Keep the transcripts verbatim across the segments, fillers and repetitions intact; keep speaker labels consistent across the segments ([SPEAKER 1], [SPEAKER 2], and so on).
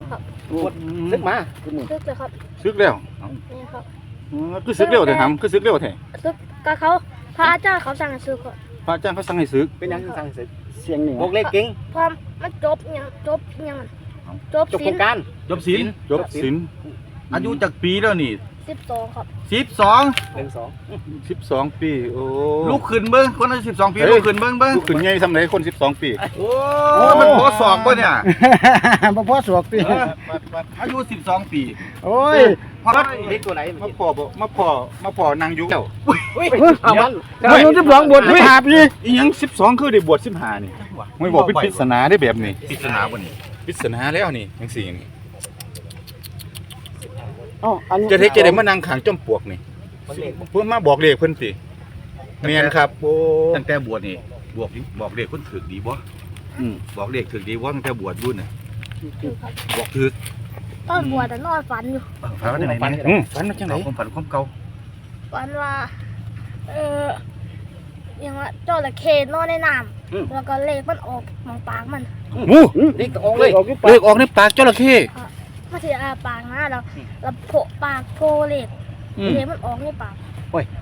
[SPEAKER 1] ครับ
[SPEAKER 2] ซึกมา
[SPEAKER 1] ซึกเลยครับ
[SPEAKER 3] ซึกแล้ว
[SPEAKER 1] นี่ครับ
[SPEAKER 3] อ๋อคือซึกเร็วแต่ทำคือซึกเร็วแท้
[SPEAKER 1] ซึกกับเขาพระอาจารย์เขาสั่งให้ซึกครับ
[SPEAKER 3] พระอาจารย์เขาสั่งให้ซึก
[SPEAKER 2] เป็นยังสั่งซึกเสียงหนึ่งบอกเลขเก่ง
[SPEAKER 1] พอมันจบยังจบยังจบ
[SPEAKER 2] จบโครงการ
[SPEAKER 4] จบศีล
[SPEAKER 3] จบศีล
[SPEAKER 4] อายุจากปีแล้วนี่
[SPEAKER 1] สิบสองครับ
[SPEAKER 4] สิบสอง
[SPEAKER 2] หนึ่งสอง
[SPEAKER 3] สิบสองปีโอ้
[SPEAKER 4] ลูกขึ้นเบิ้งคนอายุสิบสองปีลูกขึ้นเบิ้งเบิ้ง
[SPEAKER 3] ลูกขึ้นไงทำไรคนสิบสองปี
[SPEAKER 4] โอ้มันพอสอบป่ะเนี่ย
[SPEAKER 5] บ่พอสอบปี
[SPEAKER 4] อายุสิบสองปี
[SPEAKER 5] โอ้ย
[SPEAKER 4] พอ
[SPEAKER 2] เลขตัวไหน
[SPEAKER 3] มาพอบ่มาพอมาพอนางยุเจ้า
[SPEAKER 2] อุ้ยเอามัน
[SPEAKER 5] อายุสิบสองบวชสิบห้าปี
[SPEAKER 3] อีหยังสิบสองคือได้บวชสิบห้านี่ไม่บอกเป็นปริศนาได้แบบนี้
[SPEAKER 4] ปริศนาบ่นี่
[SPEAKER 3] ปริศนาแล้วนี่จังซี่นี่
[SPEAKER 5] อ๋ออันนี้
[SPEAKER 3] จะเทจะได้มานั่งขังจอมปลวกนี่เพิ่นมาบอกเลขเพิ่นสิแม่นครับโอ้
[SPEAKER 4] ตั้งแต่บวชนี่บวกบอกเลขคนถือดีบ่
[SPEAKER 3] อืม
[SPEAKER 4] บอกเลขถือดีบ่ตั้งแต่บวชรุ่นน่ะบอกถือ
[SPEAKER 1] ตอนบวชแต่นอนฝันอยู่
[SPEAKER 4] ฝันว่าจังได๋
[SPEAKER 3] อืมฝันว่าจังได๋
[SPEAKER 4] ความฝันความเก่า
[SPEAKER 1] ฝันว่าเออยังว่าจระเข้นอนในน้ำแล้วก็เลขมันออกมองปากมัน
[SPEAKER 3] หมู
[SPEAKER 2] เลขออกเลย
[SPEAKER 3] เลขออกในปากจระเข้
[SPEAKER 1] มาถืออาปากนะแล้วแล้วโผปากโผเลขเลขมันออกในปาก
[SPEAKER 2] โอ้ย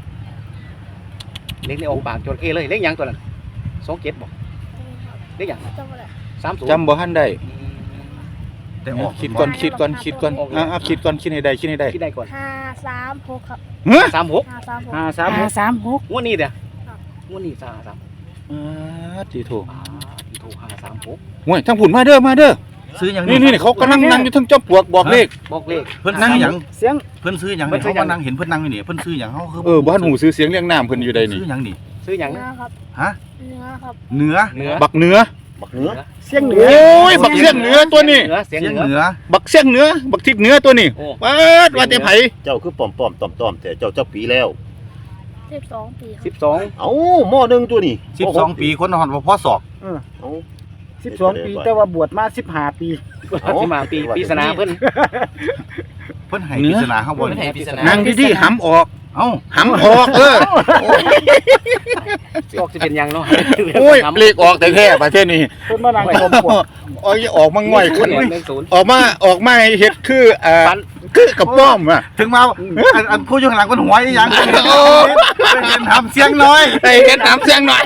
[SPEAKER 2] เลขในออกปากจระเข้เลยเลขยังตัวนั้นสองเจ็ดบอกเลขยังสามศูนย์
[SPEAKER 3] จำบ่ทันได้
[SPEAKER 4] แต่ออก
[SPEAKER 3] คิดก่อนคิดก่อนคิดก่อนอ่าคิดก่อนคิดให้ได้คิดให้ได้
[SPEAKER 2] คิดได้ก่อน
[SPEAKER 1] ห้าสามหกครับ
[SPEAKER 2] สามหก
[SPEAKER 1] ห้าสามหก
[SPEAKER 2] ห้าสามหก
[SPEAKER 5] สามหก
[SPEAKER 2] งวดนี้เด้องวดนี้สามสาม
[SPEAKER 3] อ่าจีโถ
[SPEAKER 2] จีโถห้าสามหก
[SPEAKER 3] ห่วยทั้งผุนมาเด้อมาเด้อ
[SPEAKER 4] ซื้ออย่าง
[SPEAKER 3] นี้นี่เขากำลังนั่งอยู่ทั้งจอมปลวกบอกเลข
[SPEAKER 2] บอกเลข
[SPEAKER 4] เพิ่นนั่งอย่าง
[SPEAKER 5] เสียง
[SPEAKER 4] เพิ่นซื้ออย่างนี่เขามานั่งเห็นเพิ่นนั่งอยู่นี่เพิ่นซื้ออย่างเขาคือ
[SPEAKER 3] เออบ้านหูซื้อเสียงเรียงน้ำเพิ่นอยู่ใดนี่
[SPEAKER 4] ซื้ออย่างนี่
[SPEAKER 2] ซื้ออย่าง
[SPEAKER 1] ครับ
[SPEAKER 4] ฮะ
[SPEAKER 1] เนื้อครับ
[SPEAKER 4] เนื้อ
[SPEAKER 2] เนื้อ
[SPEAKER 3] บักเนื้อ
[SPEAKER 4] บักเนื้อ
[SPEAKER 5] เสียงเหนือ
[SPEAKER 3] โอ้ยบักเสียงเนื้อตัวนี้
[SPEAKER 2] เสียง
[SPEAKER 4] เนื้อ
[SPEAKER 3] บักเสียงเนื้อบักทิศเนื้อตัวนี้ว้าว่าแต่ไผ
[SPEAKER 6] เจ้าคือป้อมป้อมต้อมต้อมแต่เจ้าเจ้าปีแล้ว
[SPEAKER 1] สิบสองปี
[SPEAKER 2] สิบสอง
[SPEAKER 6] เอ้าหม้อหนึ่งตัวนี้
[SPEAKER 4] สิบสองปีคนหอนว่าพ่อสอบ
[SPEAKER 5] เออสิบสองปีแต่ว่าบวชมาสิบห้าปี
[SPEAKER 2] ที่มาปีปีศาจเพิ่น
[SPEAKER 4] เพิ่นให้ปริศนาเขาบ่
[SPEAKER 3] นั่งดีๆหำออก
[SPEAKER 4] เอ้า
[SPEAKER 3] หำออกเออ
[SPEAKER 2] ออกจะเป็นยังเนาะ
[SPEAKER 3] โอ้ยเลขออกแต่แท้ประเทศนี้
[SPEAKER 5] เพิ่นมานั่งชมปวก
[SPEAKER 3] ออกออกมาง่อยขึ้นออกมาออกมาเฮ็ดคืออ่าคือกระป้อมอ่ะ
[SPEAKER 4] ถึงมาอันผู้อยู่ข้างหลังมันหัวอีหยังโอ้เห็นทำเสียงน้อย
[SPEAKER 3] เห็นทำเสียงน้อย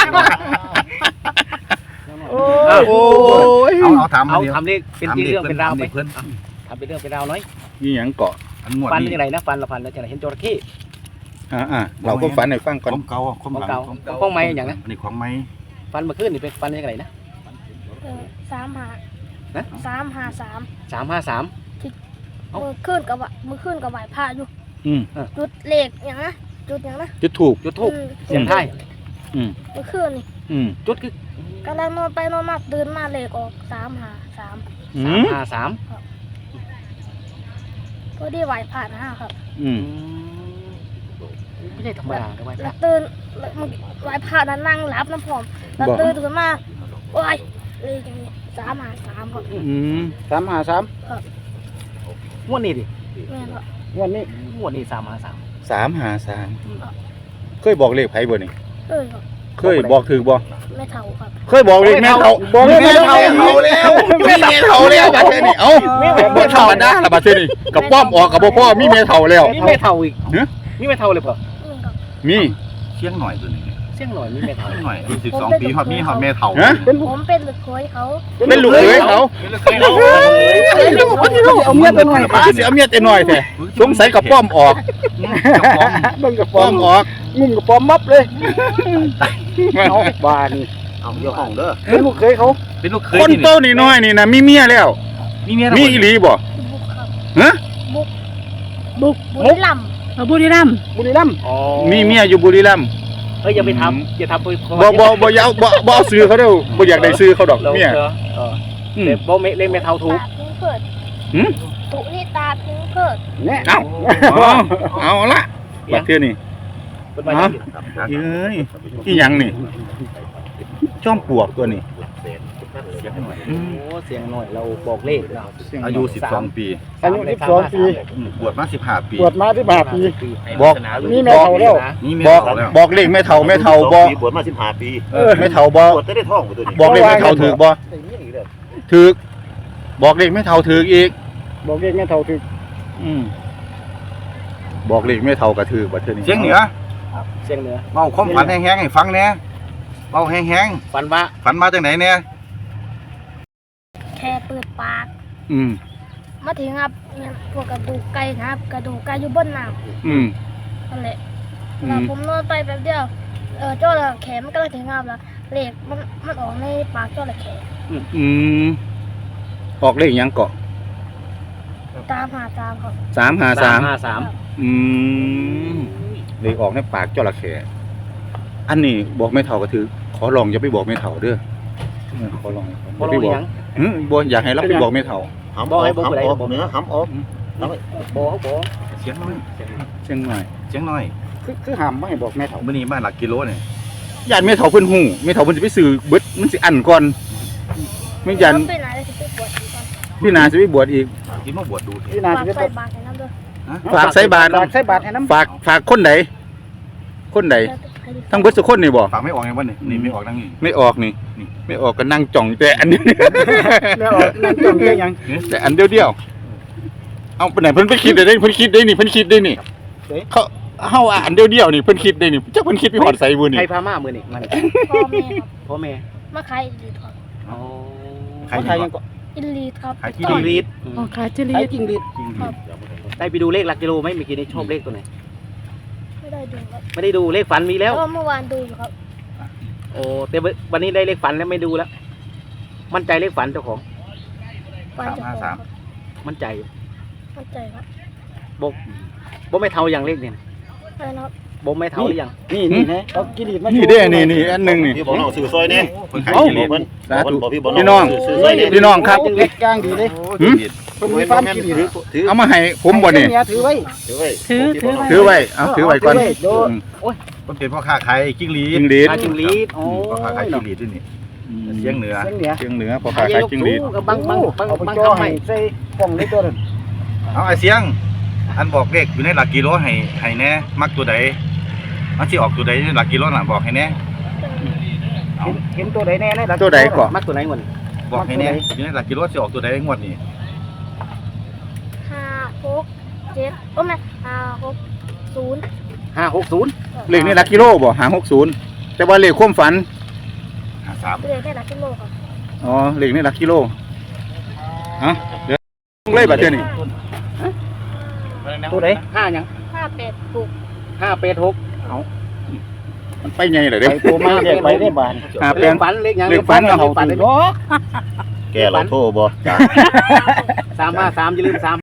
[SPEAKER 5] โอ้
[SPEAKER 3] ย
[SPEAKER 4] เอาเอาทำ
[SPEAKER 2] เอาทำเลขเป็นเรื่องเป็นราวไปเพิ่นทำเป็นเรื่องเป็นราวน้อย
[SPEAKER 3] นี่หยังเกาะ
[SPEAKER 2] ฟันยังไงนะฟันละฟันแล้วจะเห็นจระเข้
[SPEAKER 3] อ่าอ่าเราก็ฟันให้ฟังก่อน
[SPEAKER 4] ของเก่าของเก่า
[SPEAKER 2] ของไม้อย่างนั้น
[SPEAKER 4] อันนี้ของไม้
[SPEAKER 2] ฟันเมื่อคืนนี่เป็นฟันยังไงนะ
[SPEAKER 1] สามห้านะสามห้าสาม
[SPEAKER 2] สามห้าสาม
[SPEAKER 1] มือขึ้นกับมือขึ้นกับไหวผ้าอยู่จุดเหล็กอย่างนะจุดอย่างนะ
[SPEAKER 3] จุดถูก
[SPEAKER 2] จุดถูกเสียงไทย
[SPEAKER 1] มือขึ้นนี่
[SPEAKER 2] จุดคือก
[SPEAKER 1] ำลังนอนไปนอนมาตื่นมาเหล็กออกสามห้าสาม
[SPEAKER 2] สามห้าสาม
[SPEAKER 1] ก็ได้ไหวผ่านนะครับ
[SPEAKER 3] อืม
[SPEAKER 2] ไม่ใช่ธรรมดาทำไม
[SPEAKER 1] แล้วตื่นไหวผ่านนั่งรับน้ำผอมแล้วตื่นขึ้นมาโอ้ยเลยอย่างนี้สามห้าสามครับ
[SPEAKER 3] อืม
[SPEAKER 5] สามห้าสาม
[SPEAKER 2] งวดนี้ดิ
[SPEAKER 5] งวดนี้
[SPEAKER 2] งวดนี้สามห้าสาม
[SPEAKER 3] สามห้าสามเคยบอกเลขไผบ่นี่
[SPEAKER 1] เออ
[SPEAKER 3] เคยบอกถือบ่
[SPEAKER 1] แม่เฒ่าครับ
[SPEAKER 3] เคยบอกเลขแม่เฒ่าบอกแม่เฒ่าแล้วมีแม่เฒ่าแล้วบัดนี้เอ้าบ่ธรรมดาละบัดนี้กับป้อมออกกับบ่พ่อมีแม่เฒ่าแล้ว
[SPEAKER 2] มีแม่เฒ่าอีกมีแม่เฒ่าเลยป่ะ
[SPEAKER 3] มี
[SPEAKER 4] เสียงหน่อยตัวนี้
[SPEAKER 2] เสียงหน่อยมีแม่เฒ่า
[SPEAKER 4] หน่อยสิบสองปีฮอดมีฮอดแม่เฒ่า
[SPEAKER 1] เป็นผมเป็นลูกเคยเขา
[SPEAKER 3] เป็นลูกเคยเขา
[SPEAKER 5] เอาเมียแต่น้อย
[SPEAKER 3] มาสิเอาเมียแต่น้อยแท้สงสัยกับป้อมออก
[SPEAKER 5] เบิ่งกับ
[SPEAKER 3] ป้อมออก
[SPEAKER 5] งุ่มกับป้อมมับเลยเอาบ้าน
[SPEAKER 6] เอาเจ้าของเด้อ
[SPEAKER 5] เป็นลูกเคยเขา
[SPEAKER 4] เป็นลูกเคย
[SPEAKER 3] คนโตนี่น้อยนี่นะมีเมียแล้ว
[SPEAKER 4] มีเมีย
[SPEAKER 3] มีอีหลีบ่ฮะ
[SPEAKER 1] บุกบุกบุรีรัมย์
[SPEAKER 5] บุรีรัมย์บุรีรัมย์
[SPEAKER 3] มีเมียอยู่บุรีรัมย์
[SPEAKER 2] เฮ้ยอย่าไปทำอย่าทำไป
[SPEAKER 3] บ่บ่บ่ยาวบ่บ่เอาซื้อเขาเด้อบ่อยากได้ซื้อเขาดอกเมีย
[SPEAKER 2] เออเดี๋ยวบ่เล่นแม่เฒ่าถูก
[SPEAKER 3] หืม
[SPEAKER 1] ตุนี่ตาพิงเพิด
[SPEAKER 5] เนี่ย
[SPEAKER 3] เอาเอาละบัดเทื่อนี่ฮะเอ้ยอีหยังนี่จ้อมปลวกตัวนี้
[SPEAKER 2] เสียงหน่อยโอ้เสียงหน่อยเราบอกเลข
[SPEAKER 4] อายุสิบสองปี
[SPEAKER 5] อายุสิบสองปี
[SPEAKER 4] บวชมาสิบห้าปี
[SPEAKER 5] บวชมาสิบห้าปี
[SPEAKER 3] บอก
[SPEAKER 5] นี่แม่เฒ่าแล้ว
[SPEAKER 3] บอกบอกเลขแม่เฒ่าแม่เฒ่าบอก
[SPEAKER 6] บวชมาสิบห้าปี
[SPEAKER 3] แม่เฒ่าบอก
[SPEAKER 6] บวชได้ท้องตัวนี้
[SPEAKER 3] บอกเลขแม่เฒ่าถูกบ่ถูกบอกเลขไม่เท่าถืออีก
[SPEAKER 5] บอกเลขแม่เท่าถึก
[SPEAKER 3] อืมบอกเลขไม่เท่ากระถือบัดเทื่อนี้
[SPEAKER 4] เสียงเหนือ
[SPEAKER 2] เสียงเหนือ
[SPEAKER 4] เบาความฝันแห้งๆให้ฟังแหน่เบาแห้ง
[SPEAKER 2] ฝันว่า
[SPEAKER 4] ๆฝันมาจากไหนเนี่ย
[SPEAKER 1] แค่เปิดปาก
[SPEAKER 3] อืม
[SPEAKER 1] มาถึงครับเนี่ยพวกกระดูกไก่นะครับ กระดูกไก่อยู่บนน้
[SPEAKER 3] อืม
[SPEAKER 1] ำนั่นแหละ
[SPEAKER 3] อืม
[SPEAKER 1] แล้วผมนอนไปแป๊บเดียวเออเจ้าระเข้มันก็เลยถึงครับแล้วเหล็กมันมันออกในปากเจ้าระเข้
[SPEAKER 3] อืมออกเลขหยังเกาะ
[SPEAKER 1] ตามหาตามครับ
[SPEAKER 3] สามหาสาม
[SPEAKER 2] ห้าสาม
[SPEAKER 3] อืมเลขออกในปากจระเข้อันนี้บอกไม่เท่ากระถือขอลองอย่าไปบอกไม่เท่าเด้อเออขอลอง
[SPEAKER 2] บ่
[SPEAKER 3] อย่า
[SPEAKER 2] รู้
[SPEAKER 3] ไปบอก
[SPEAKER 2] หยัง
[SPEAKER 3] อืมบ่อยากให้เราไปบอกไม่เท่า
[SPEAKER 6] หำออกหำออกเนื้อหำออก
[SPEAKER 2] บ่บ่
[SPEAKER 4] เสียงน้อย
[SPEAKER 3] เชียงใหม่
[SPEAKER 4] เสียงน้อย
[SPEAKER 5] คือคือห้ามบ่ให้บอกแม่เท่า
[SPEAKER 4] มื้อนี้มาหลักกิโลเนี่ย
[SPEAKER 3] ญาติไม่เท่าเพิ่นหูไม่เท่าเพิ่นสิไปซื้อเบิดมันสิอันก่อนไม่ยัน
[SPEAKER 1] ไปไหนเลยสิไปบวชอีกก่อน
[SPEAKER 3] พี่นาสิไปบวชอีก
[SPEAKER 4] ที่มาบวชดูเถ
[SPEAKER 5] พี่
[SPEAKER 4] อะ
[SPEAKER 5] นา
[SPEAKER 1] ฝาก
[SPEAKER 5] สิไป
[SPEAKER 1] ใส่บาตรให้น้ำด้วย
[SPEAKER 3] ฝากใส่บาตร
[SPEAKER 5] ฝากใส่บาตรให้น้ำ
[SPEAKER 3] ฝากฝากคนใดคนใด
[SPEAKER 1] แล้วก็ให้ดู
[SPEAKER 3] ทั้งเบิดสุคนนี่บ่
[SPEAKER 4] ฝากไม่ออกไงวะนี่นี่ไม่ออกทั้งนี้
[SPEAKER 3] ไม่ออกนี่ไม่ออกก็นั่งจ่องแต่อันนี้
[SPEAKER 5] แม่ออกนั่นจ้องได้หยัง
[SPEAKER 3] แต่อันเดียวเดียวเอาไปไหนเพิ่นไปคิดได้เพิ่นคิดได้นี่เพิ่นคิดได้นี่เขาเฮาอันเดียวเดียวนี่เพิ่นคิดได้นี่จักเพิ่นคิดไปฮอดไสบุนี่
[SPEAKER 2] ใครพามามื้อนี้มัน
[SPEAKER 1] พ่อแม่ครับ
[SPEAKER 2] พ่อแม่
[SPEAKER 1] มาขายอิลีทครับ
[SPEAKER 2] อ๋อ
[SPEAKER 4] ใคร
[SPEAKER 5] เขา
[SPEAKER 4] ยิ
[SPEAKER 5] ทาย
[SPEAKER 4] ง
[SPEAKER 5] ยังก็
[SPEAKER 1] อิลีทครับ
[SPEAKER 4] ใครที่
[SPEAKER 2] จิงรีด
[SPEAKER 7] อ๋อขายจิ
[SPEAKER 5] ใคร
[SPEAKER 7] ลีด
[SPEAKER 5] จริงดิ
[SPEAKER 4] จริง
[SPEAKER 2] ได้ไปดูเลขหลักกิโลไหมเมื่อกี้นี้ชอบเลขตัวไหน
[SPEAKER 1] ไม่ได้ดูครับ
[SPEAKER 2] ไม่ได้ดูเลขฝันมีแล้ว
[SPEAKER 1] เพราะว่าเมื่อวานดูอยู่ครับ
[SPEAKER 2] โอ้แต่วันนี้ได้เลขฝันแล้วไม่ดูแล้ว มั่นใจเลขฝันเจ้าของ
[SPEAKER 1] วันจะพอครับ
[SPEAKER 2] มั่นใจ
[SPEAKER 1] เข้าใจครับ
[SPEAKER 2] บกบ่ไม่เท่าอย่างเลขเนี่ย
[SPEAKER 1] อะไรนะครับ
[SPEAKER 2] บ่ไม่เท่าหรือยัง
[SPEAKER 5] นี่นี่นะเอากิริตมา
[SPEAKER 3] นี่เด้นี่นี่อันหนึงนี่
[SPEAKER 6] พี่บอกน้องซื้อซอยเนี่ย
[SPEAKER 4] เพิ่นขาย
[SPEAKER 3] เอ้า
[SPEAKER 4] กิเล
[SPEAKER 6] บอก
[SPEAKER 4] ส
[SPEAKER 6] เพิ่น
[SPEAKER 3] สาธุ
[SPEAKER 6] บอกพี่บอก
[SPEAKER 3] พี่น้อง
[SPEAKER 6] ซื้อซอยเนี่ย
[SPEAKER 3] พี่น้องครับ
[SPEAKER 5] เล็กย่างดีเลย
[SPEAKER 3] หืม
[SPEAKER 5] เพิ่นมีฟาร์มกิริต
[SPEAKER 6] ถือ
[SPEAKER 3] เอามาให้ผมบ่นี่
[SPEAKER 5] เยถือไว้
[SPEAKER 6] ถือไว้
[SPEAKER 7] ถือถือไว้
[SPEAKER 3] ถือไว้เอาถือไว้ก่อน
[SPEAKER 5] ถือไว้โดน
[SPEAKER 3] อืม
[SPEAKER 4] มันเป็นพ่อค้าขายจิ้งหรี
[SPEAKER 3] จิ
[SPEAKER 4] ด
[SPEAKER 3] งหรีด
[SPEAKER 2] อาจิงลีดโอ้
[SPEAKER 4] พ่อค้าขายจิ้งหรีดด้วยนี่เสียงเหนือ
[SPEAKER 5] เสียงเหนือ
[SPEAKER 3] เชียงเหนือพอขายขายจิงหรีด
[SPEAKER 2] กับบางบางบาง
[SPEAKER 5] เอาไป
[SPEAKER 2] บาง
[SPEAKER 5] จ่อ
[SPEAKER 2] คำให
[SPEAKER 5] ให้
[SPEAKER 2] ม่
[SPEAKER 5] ใส่กล่องเล็กตัวนึง
[SPEAKER 4] เอาไอ้เสียง อันบอกเลขอยู่ในหลักกิโลให้ให้แน่มักตัวใดมันสิออกตัวใดในหลักกิโลน่ะบอกให้แน่
[SPEAKER 5] เห็นเห็นตัวใดแน่นะ
[SPEAKER 3] ตัวใดก่อน
[SPEAKER 2] มักตัวไหนก่อน
[SPEAKER 4] บอกให้แน่อยู่ในหลักกิโลสิออกตัวใดงวดนี้
[SPEAKER 1] ห้าหกเจ็ดโอ้ไม่ห้าหกศูนย์
[SPEAKER 2] ห้าหกศูนย์
[SPEAKER 3] เลขนี่หลักกิโลบ่หาหกศูนย์แต่ว่าเลขความฝัน
[SPEAKER 4] ห้าสาม
[SPEAKER 1] เรียนได้หลักกิโลครับ
[SPEAKER 3] อ๋อเลขนี่หลักกิโลเอ่ะเดี๋ยวลงเลยบัดเดี๋ยวนี้
[SPEAKER 5] ตัวใด
[SPEAKER 2] ห้ายัง
[SPEAKER 1] ห้าแปดหก
[SPEAKER 2] ห้าแปดหก
[SPEAKER 3] มันไปไงเหรอ
[SPEAKER 5] ไป
[SPEAKER 3] เด้
[SPEAKER 5] ตัวมาเรียกไปได้บาน
[SPEAKER 3] หา
[SPEAKER 2] เล
[SPEAKER 3] แปล
[SPEAKER 2] ข
[SPEAKER 3] ง
[SPEAKER 2] ฝันเลขยัง
[SPEAKER 3] เลขฝัน
[SPEAKER 2] เลขฝันเลย
[SPEAKER 5] เนาะ
[SPEAKER 6] แกเราโทรบ่จ้า
[SPEAKER 2] สามห้าสามอย่าลืมสาม